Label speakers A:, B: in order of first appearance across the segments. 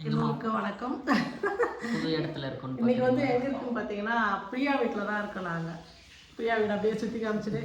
A: எல்லோருக்கும் வணக்கம்.
B: புது இடத்துல இருக்கோம்.
A: இன்னைக்கு வந்து எங்க இருக்குன்னு பார்த்தீங்கன்னா பிரியா வீட்டில் தான் இருக்கோம். நாங்கள் பிரியா வீடு அப்படியே சுற்றி காமிச்சிட்டு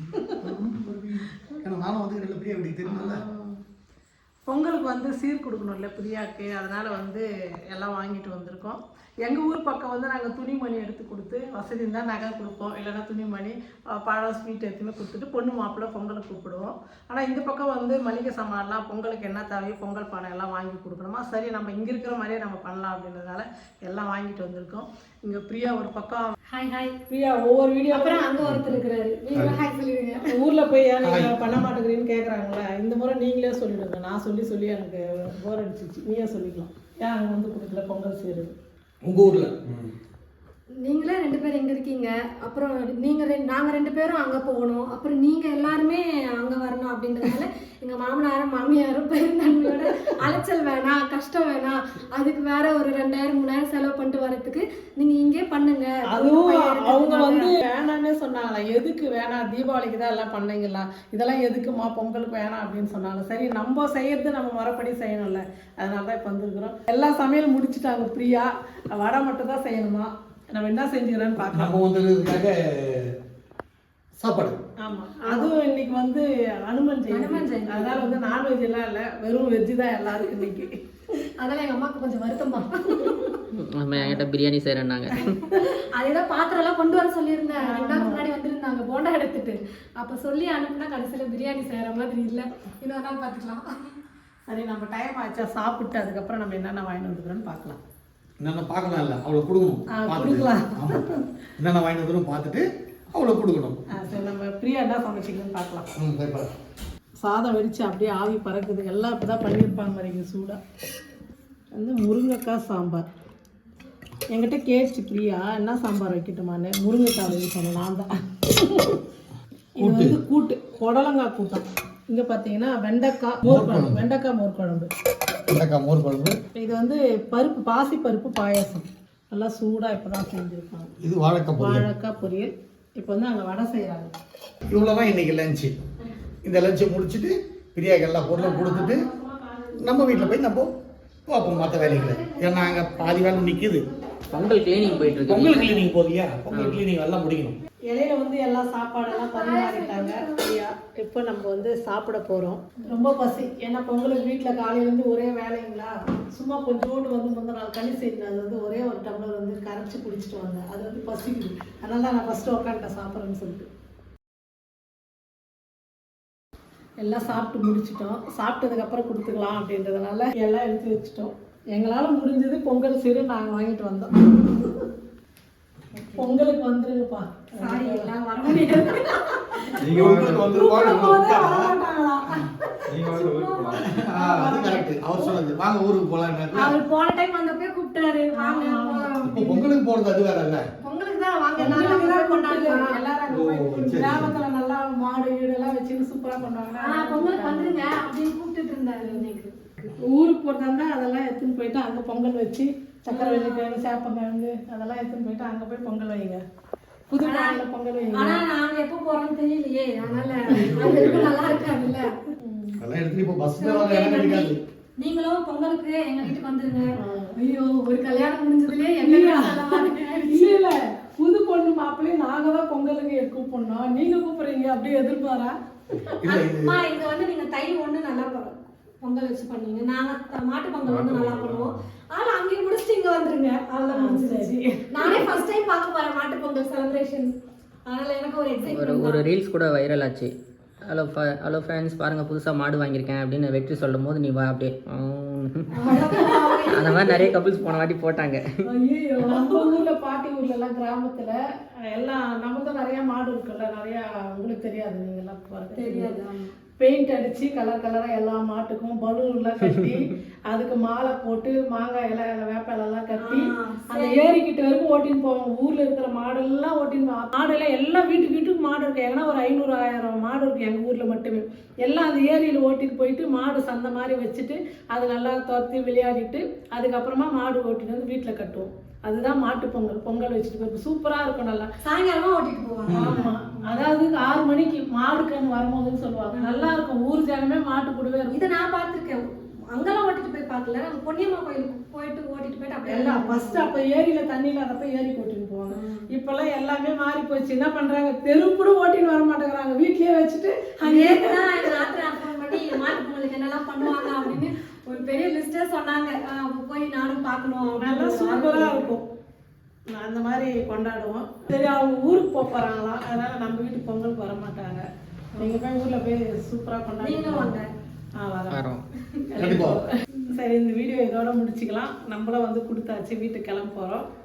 C: நானும் வந்து பிரியா வீட்டுக்கு தெரியும்ல.
A: பொங்கலுக்கு வந்து சீர் கொடுக்கணும்ல பிரியாவுக்கு, அதனால் வந்து எல்லாம் வாங்கிட்டு வந்திருக்கோம். எங்கள் ஊர் பக்கம் வந்து நாங்கள் துணிமணி எடுத்து கொடுத்து வசதி இருந்தால் நகை கொடுப்போம், இல்லைன்னா துணிமணி பழம் ஸ்வீட் எடுத்துன்னு கொடுத்துட்டு பொண்ணு மாப்பிள்ளை பொங்கலுக்கு கூப்பிடுவோம். ஆனால் இந்த பக்கம் வந்து மளிகை சாமான்லாம் பொங்கலுக்கு என்ன தேவையோ பொங்கல் பானை எல்லாம் வாங்கி கொடுக்கணுமா, சரி நம்ம இங்கே இருக்கிற மாதிரியே நம்ம பண்ணலாம் அப்படின்றதுனால எல்லாம் வாங்கிட்டு வந்திருக்கோம். இங்கே பிரியா ஒரு பக்கம்
D: ஹாய் ஹாய்
A: பிரியா ஒவ்வொரு வீடியோ
D: அப்புறம் அங்கே ஒருத்தர் இருக்கிறாரு, நீங்களும் ஹாய் சொல்லிடுங்க.
A: ஊரில் போய் ஏன் நீங்கள் பண்ண மாட்டேங்கிறீன்னு கேட்குறாங்களே, இந்த முறை நீங்களே சொல்லிவிடுங்க. நான் சொல்லி சொல்லி எனக்கு போர் அடிச்சிச்சு, நீயே சொல்லிக்கலாம். ஏன் அங்கே வந்து கொடுக்கல பொங்கல் செய்கிறது
C: உங்கள் ஊரில்?
D: நீங்களே 2 பேர் எங்கே இருக்கீங்க, அப்புறம் நாங்கள் 2 பேரும் அங்கே போகணும், அப்புறம் நீங்கள் எல்லாருமே அங்கே வரணும் அப்படின்றதுனால எங்கள் மாமனாரும் மாமியாரும் பெருந்தன்மையோட அலைச்சல் வேணாம், கஷ்டம் வேணாம், அதுக்கு வேற ஒரு 2000-3000 செலவு பண்ணிட்டு வரதுக்கு நீங்கள் இங்கே பண்ணுங்க.
A: அதுவும் அவங்க வந்து வேணான்னே சொன்னாங்களா, எதுக்கு வேணாம், தீபாவளிக்கு தான் எல்லாம் பண்ணீங்களா, இதெல்லாம் எதுக்குமா பொங்கலுக்கு வேணாம் அப்படின்னு சொன்னாங்க. சரி நம்ம செய்யறது நம்ம முறைப்படி செய்யணும்ல, அதனால தான் இப்போ வந்துருக்குறோம். எல்லா சமையல் முடிச்சுட்டாங்க பிரியா, வடை மட்டும் தான் செய்யணுமா. நம்ம என்ன செஞ்சுக்கிறோன்னு பார்க்கலாம்.
C: நம்ம வந்ததுக்காக சாப்பாடு.
A: ஆமாம், அதுவும் இன்னைக்கு வந்து அனுமன் ஜெயந்தி, அதனால வந்து நான்வெஜ் எல்லாம் இல்லை, வெறும் வெஜ்ஜு தான் எல்லாருக்கும் இன்னைக்கு.
D: அதெல்லாம் எங்கள் அம்மாவுக்கு கொஞ்சம் வருத்தமா.
B: நம்ம என்கிட்ட பிரியாணி செய்கிறேன்னாங்க.
D: அதேதான் பாத்திரம்லாம் கொண்டு வர சொல்லியிருந்தேன். 2 நாள் முன்னாடி வந்துருந்தாங்க போண்டா எடுத்துட்டு. அப்போ சொல்லி அனுப்புனா கடைசியில் பிரியாணி செய்கிற மாதிரி இல்லை, இன்னொரு நாள் பார்த்துக்கலாம்.
A: சரி, நம்ம டைம் ஆச்சா சாப்பிட்டு அதுக்கப்புறம் நம்ம என்னென்ன வாங்கிட்டு வந்துக்கிறோன்னு பார்க்கலாம்.
C: என்னென்ன பார்க்கலாம் இல்லை, அவளை கொடுக்கணும்,
A: கொடுக்கலாம்.
C: ஆமாம், என்னென்ன வாங்கிட்டு வந்துடும் பார்த்துட்டு அவளை கொடுக்கணும்.
A: சரி, நம்ம பிரியா என்ன சமைச்சிக்கணும்னு பார்க்கலாம். சாதம் வெடிச்சு அப்படியே ஆவி பறக்குது, எல்லாம் இப்போ தான் பண்ணியிருப்பாங்க மாதிரி சூடாக. வந்து முருங்கைக்காய் சாம்பார் என்கிட்ட கேட்டுச்சு பிரியா, என்ன சாம்பார் வைக்கட்டுமான்னு. முருங்கைக்காய் வைக்க சொன்னேன் நான் தான். இது வந்து கூட்டு, புடலங்காய் கூட்டம். இங்கே பார்த்தீங்கன்னா வெண்டைக்காய் மோர் குழம்பு, வெண்டைக்காய் மோர் குழம்பு.
C: வெண்டைக்காய் மோர் குழம்பு.
A: இது வந்து பருப்பு, பாசி பருப்பு பாயாசம், நல்லா சூடாக இப்போ தான் செஞ்சுருப்பாங்க.
C: இது வாழைக்காய்
A: பொரியல். இப்போ வந்து அங்கே வடை செய்கிறாங்க.
C: இவ்வளோதான் இன்னைக்கு லஞ்சு. இந்த லஞ்சை முடிச்சுட்டு பிரியாக்கு எல்லா பொருளும் கொடுத்துட்டு நம்ம வீட்டில் போய் நம்ம பார்ப்போம் மற்ற வேலைகளை. ஏன்னா அங்கே பாதி வேலை நிற்கிது.
B: பொங்கல் கிளீனிங் போயிட்டு இருக்கு.
C: பொங்கல் கிளீனிங் போதியா, பொங்கல் கிளீனிங் எல்லாம் முடிக்கணும்.
A: இலையில வந்து எல்லா சாப்பாடெல்லாம் பரிமாறிட்டாங்க. இப்போ நம்ம வந்து சாப்பிட போகிறோம். ரொம்ப பசி, ஏன்னா பொங்கலுக்கு வீட்டில் காலையிலேருந்து ஒரே வேலைங்களா. சும்மா கொஞ்சோண்டு வந்து முந்தின நாள் களி செய்யணும், அது வந்து ஒரே ஒரு டம்ளர் வந்து கரைச்சி குடிச்சிட்டு வந்தேன். அது வந்து பசிக்குது, அதனால தான் நான் ஃபஸ்ட்டு உட்காந்துட்டேன் சாப்பிட்றேன்னு சொல்லிட்டு. எல்லாம் சாப்பிட்டு முடிச்சிட்டோம். சாப்பிட்டதுக்கப்புறம் கொடுத்துக்கலாம் அப்படின்றதுனால எல்லாம் எடுத்து வச்சுட்டோம். எங்களால் முடிஞ்சது பொங்கல் சீரு நாங்கள் வாங்கிட்டு வந்தோம். பொங்கலுக்கு வந்துருங்கப்பா.
D: சாரி, எல்லாம் வர முடியாது.
C: அவர் சொன்னது வாங்க ஊருக்கு போலாம்.
D: அவர் போன டைம் வந்தப்பே கூப்பிட்டாரு, வாங்க
C: பொங்கலுக்கு போறது அது வேற இல்ல,
D: பொங்கலுக்கு தான் வாங்க, எல்லாரும் கொண்டாடுறோம்.
A: எல்லாரும் கிராமத்துல நல்லா மாடு வீடு எல்லாம் வச்சு சூப்பரா பண்ணுவாங்க.
D: பொங்கலுக்கு வந்துருங்க அப்படின்னு கூப்பிட்டு இருந்தாரு. இன்னைக்கு
A: ஊருக்கு போறதா இருந்தா அதெல்லாம் எடுத்துன்னு போயிட்டு அங்க பொங்கல் வச்சு சக்கரை வெள்ளிக்கிழங்கு சேப்பங்கிழங்கு அதெல்லாம் எடுத்துன்னு போயிட்டு அங்க போய் பொங்கல் வைங்க, புது நாள்ல பொங்கல் வைங்க.
D: ஆனா நாங்க எப்போ போறோம்னு தெரியலையே, அதனால அங்க இருக்க நல்லா இருக்காதுல்ல.
C: அதெல்லாம் எடுத்து இப்போ பஸ்ல வர இடம் கிடைக்காது.
D: நீங்களும் பொங்கலுக்கு எங்க வீட்டுக்கு வந்துருங்க. ஐயோ, ஒரு கல்யாணம் முடிஞ்சதுலயே
A: இல்ல புது பொண்ணு மாப்பிள்ளையும் நாங்க தான் பொங்கலுக்கு கூப்பிடணும், நீங்க கூப்பிடுறீங்க அப்படியே எதிர்பாரா.
D: இங்க வந்து நீங்க தை ஒண்ணு நல்லா பொங்கல் வச்சு பண்ணுவீங்க, நாங்க மாட்டு பொங்கல் வந்து நல்லா பண்ணுவோம். ஆனா அங்கே முடிச்சுட்டு இங்க வந்துருங்க, அவ்வளவுதான் முடிஞ்சிருச்சு. நானே ஃபர்ஸ்ட் டைம் பார்க்க போறேன் மாட்டு பொங்கல் செலிப்ரேஷன், அதனால எனக்கு ஒரு எக்ஸைட்மென்ட்.
B: ஒரு ரீல்ஸ் கூட வைரல் ஆச்சு. ஹலோ ஃப்ரெண்ட்ஸ், பாருங்கள் புதுசாக மாடு வாங்கியிருக்கேன் அப்படின்னு வெற்றி சொல்லும் போது நீ வா அப்படியே அந்த மாதிரி நிறைய கப்பிள்ஸ் போன வாட்டி போட்டாங்க.
A: ஐயோ, நம்ம ஊர்ல பாட்டி ஊர்ல எல்லாம் கிராமத்துல எல்லாம் நமக்கு நிறைய மாடு இருக்குல்ல, நிறைய உங்களுக்கு தெரியாது, நீங்க எல்லாம் தெரியாது. பெயிண்ட் அடிச்சு கலர் கலரா எல்லா மாட்டுக்கும் பலூன்லாம் கட்டி அதுக்கு மாலை போட்டு மாங்காய் இலை வேப்ப இலைலாம் கட்டி அந்த ஏரிக்கிட்ட வரைக்கும் ஓட்டின்னு போவாங்க. ஊர்ல இருக்கிற மாடெல்லாம் ஓட்டின்னு போவாங்க. மாடெல்லாம் எல்லாம் வீட்டுக்கு மாடு இருக்கு, ஏன்னா ஒரு 500-1000 மாடு இருக்கு எங்க ஊர்ல மட்டுமே. எல்லாம் அந்த ஏரியில ஓட்டிட்டு போயிட்டு மாடு சந்தை மாதிரி வச்சுட்டு அது நல்லா துரத்தி விளையாடிட்டு அதுக்கப்புறமா மாடு ஓட்டிட்டு வந்து வீட்டுல கட்டுவோம். அதுதான் மாட்டு பொங்கல். பொங்கல் வச்சுட்டு போய் சூப்பரா இருக்கும், நல்லா
D: சாயங்காலமா ஓட்டிட்டு போவாங்க.
A: ஆமா, அதாவது 6 மணிக்கு மாடு கண்ணு வரும்போதுன்னு சொல்லுவாங்க, நல்லா இருக்கும். ஊர் ஜனமே மாட்டு கூடவே இருக்கும்.
D: இதை நான் பார்த்துருக்கேன். அங்கெல்லாம் ஓட்டிட்டு போய் பார்க்கல, நாங்க பொன்னியம்மா கோயிலுக்கு போயிட்டு ஓட்டிட்டு போயிட்டு அப்படியே
A: எல்லாம் ஃபர்ஸ்ட் அப்ப ஏரியில தண்ணி இல்லாதப்ப ஏரி கூட்டின்னு போவாங்க. இப்பெல்லாம் எல்லாமே மாறி போச்சு. என்ன பண்றாங்க, தெருக்கூட ஓட்டின்னு வர மாட்டேங்கிறாங்க, வீட்லயே வச்சுட்டு
D: நேத்துதான் எங்க ராத்திரி ஃபோன் பண்ணி மாட்டு பொங்கலுக்கு என்னெல்லாம் பண்ணுவாங்க அப்படின்னு ஒரு பெரிய லிஸ்டே சொன்னாங்க. அப்ப போய் நானும் பார்க்கணும்
A: நல்லா சூப்பரா இருக்கும். நான் அந்த மாதிரி கொண்டாடுவோம். சரி, அவங்க ஊருக்கு போறாங்களா, அதனால நம்ம வீட்டுக்கு பொங்கலுக்கு வர மாட்டாங்க. நீங்க போய் ஊர்ல போய் சூப்பரா
D: நீங்களும் வாங்க.
A: வரோம்.
B: வரோம்.
C: கண்டிப்பா.
A: சரி, இந்த வீடியோ இதோட முடிச்சுக்கலாம். நம்மளும் வந்து கொடுத்தாச்சு, வீட்டுக்கு கிளம்ப போறோம்.